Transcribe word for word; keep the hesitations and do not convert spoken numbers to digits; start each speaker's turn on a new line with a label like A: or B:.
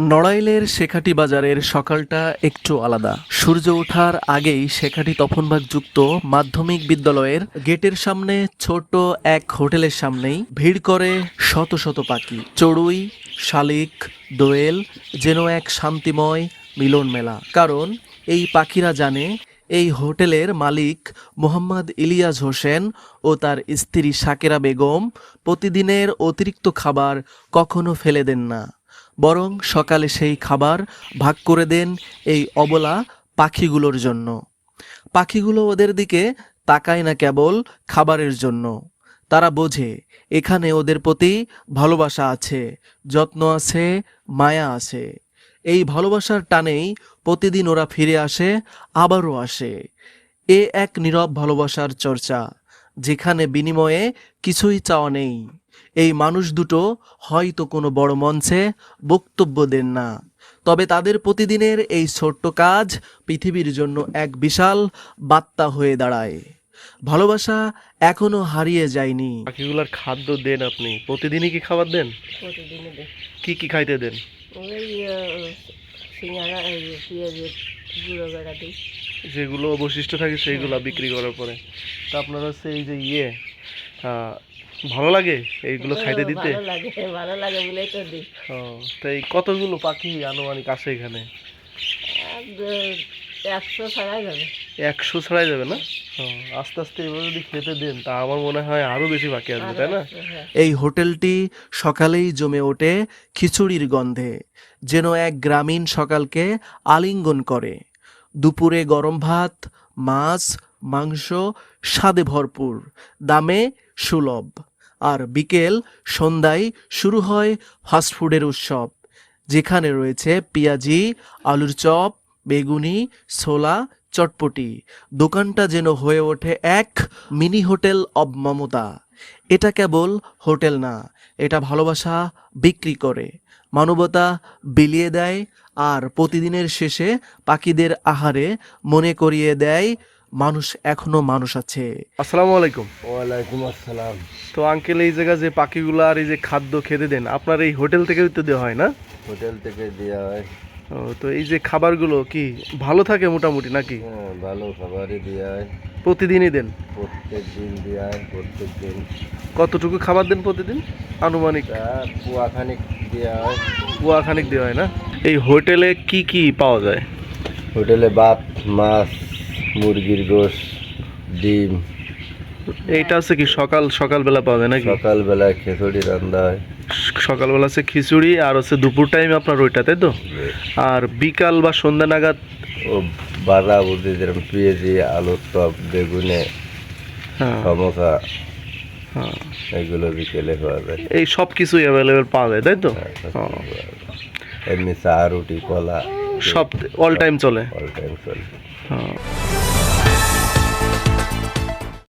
A: নড়াইলের শেখাটি বাজারের সকালটা একটু আলাদা। সূর্য ওঠার আগেই শেখাটি তপনবাগ যুক্ত মাধ্যমিক বিদ্যালয়ের গেটের সামনে ছোট এক হোটেলের সামনেই ভিড় করে শত শত পাখি। চড়ুই, শালিক, দোয়েল যেন এক শান্তিময় মিলন মেলা। কারণ এই পাখিরা জানে এই হোটেলের মালিক মোহাম্মদ ইলিয়াস হোসেন ও তার স্ত্রী শাকেরা বেগম প্রতিদিনের অতিরিক্ত খাবার কখনো ফেলে দেন না, বরং সকালে সেই খাবার ভাগ করে দেন এই অবলা পাখিগুলোর জন্য। পাখিগুলো ওদের দিকে তাকায় না কেবল খাবারের জন্য, তারা বোঝে এখানে ওদের প্রতি ভালোবাসা আছে, যত্ন আছে, মায়া আছে। এই ভালোবাসার টানেই প্রতিদিন ওরা ফিরে আসে, আবারও আসে। এ এক নীরব ভালোবাসার চর্চা, যেখানে বিনিময়ে কিছুই চাওয়া নেই। এই মানুষ দুটো হয়তো কোনো বড় মঞ্চে বক্তব্য দেন না, তবে তাদের প্রতিদিনের এই ছোট্ট কাজ পৃথিবীর জন্য এক বিশাল বার্তা হয়ে দাঁড়ায়। ভালোবাসা এখনো হারিয়ে যায়নি।
B: পাখিগুলার খাদ্য দেন আপনি? প্রতিদিনই কি খাবার দেন?
C: প্রতিদিনই দিই।
B: কি কি খাইতে দেন?
C: ওই সিঙ্গারা, পেঁয়াজের গুঁড়ো বেড়া দিই।
B: যেগুলো অবশিষ্ট থাকে সেইগুলো বিক্রি করার পরে। তা আপনার হচ্ছে এই যে ইয়ে আহ, ভালো লাগে এইগুলো খাইতে দিতে?
C: ভালো লাগে, ভালো লাগে বলেই তো দিই।
B: ও, তো এই কতগুলো পাখি আনুমানিক আসে এখানে?
C: একশো ছাড়াই যাবে।
B: একশো ছাড়াই যাবে না? ও, আস্তে আস্তে এভাবে যদি খেতে দেন তা আমার মনে হয় আরো বেশি পাখি আসবে, তাই না?
A: এই হোটেলটি সকালেই জমে ওঠে খিচুড়ির গন্ধে, যেন এক গ্রামীণ সকালকে আলিঙ্গন করে। দুপুরে গরম ভাত, মাছ, মাংস স্বাদে ভরপুর, দামে সুলভ। আর বিকেল সন্ধ্যায় শুরু হয় ফাস্টফুডের উৎসব, যেখানে রয়েছে পেঁয়াজি, আলুর চপ, বেগুনি, ছোলা, চটপটি। দোকানটা যেন হয়ে ওঠে এক মিনি হোটেল অব মমতা। এটা কেবল হোটেল না, এটা ভালোবাসা বিক্রি করে, মানবতা বিলিয়ে দেয়, আর প্রতিদিনের শেষে পাখিদের আহারে মনে করিয়ে দেয় মানুষ এখনো মানুষ আছে।
B: আসসালামু আলাইকুম।
D: ওয়ালাইকুম আসসালাম।
B: তো আঙ্কেল, এই জায়গা যে পাখিগুলো আর এই যে খাদ্য খেতে দেন আপনার এই হোটেল থেকে তো দেওয়া হয় না?
D: হোটেল থেকে দেওয়া হয়।
B: ও, তো এই যে খাবারগুলো কি ভালো থাকে মোটামুটি নাকি?
D: হ্যাঁ, ভালো খাবারই দেওয়া হয়।
B: প্রতিদিনই দেন?
D: প্রত্যেক দিন দেওয়া হয়, প্রত্যেক দিন।
B: কতটুকু খাবার দেন প্রতিদিন আনুমানিক?
D: তা কুয়াখানিক দেওয়া হয়।
B: পুয়া খানিক দেওয়া হয় না? এই হোটেলে কি কি পাওয়া যায়?
D: হোটেলে ভাত, মাছ, মুরগির গোশ, ডিম।
B: এইটা হচ্ছে কি সকাল সকালবেলা পাওয়া যায় নাকি?
D: সকালবেলায় খিচুড়ি রান্না হয়।
B: সকালবেলা হচ্ছে খিচুড়ি, আর হচ্ছে দুপুর টাইম আপনার ওইটা, তাই তো? আর বিকাল বা সন্ধ্যা নাগাদ
D: ও বাড়া বুঝি, যেরকম পেঁয়াজি, আলুর চপ, বেগুনে,
B: হ্যাঁ,
D: সমোসা,
B: হ্যাঁ,
D: এগুলো বিকেলে পাওয়া যায়।
B: এই সব কিছুই অ্যাভেলেবেল পাওয়া যায়, তাই তো?
D: হ্যাঁ, সব
B: ও,
D: কিছু পাওয়া যায়। এমনি চা, রুটি, কলা
B: সব অল টাইম চলে।
D: অল টাইম চলে।
B: হ্যাঁ।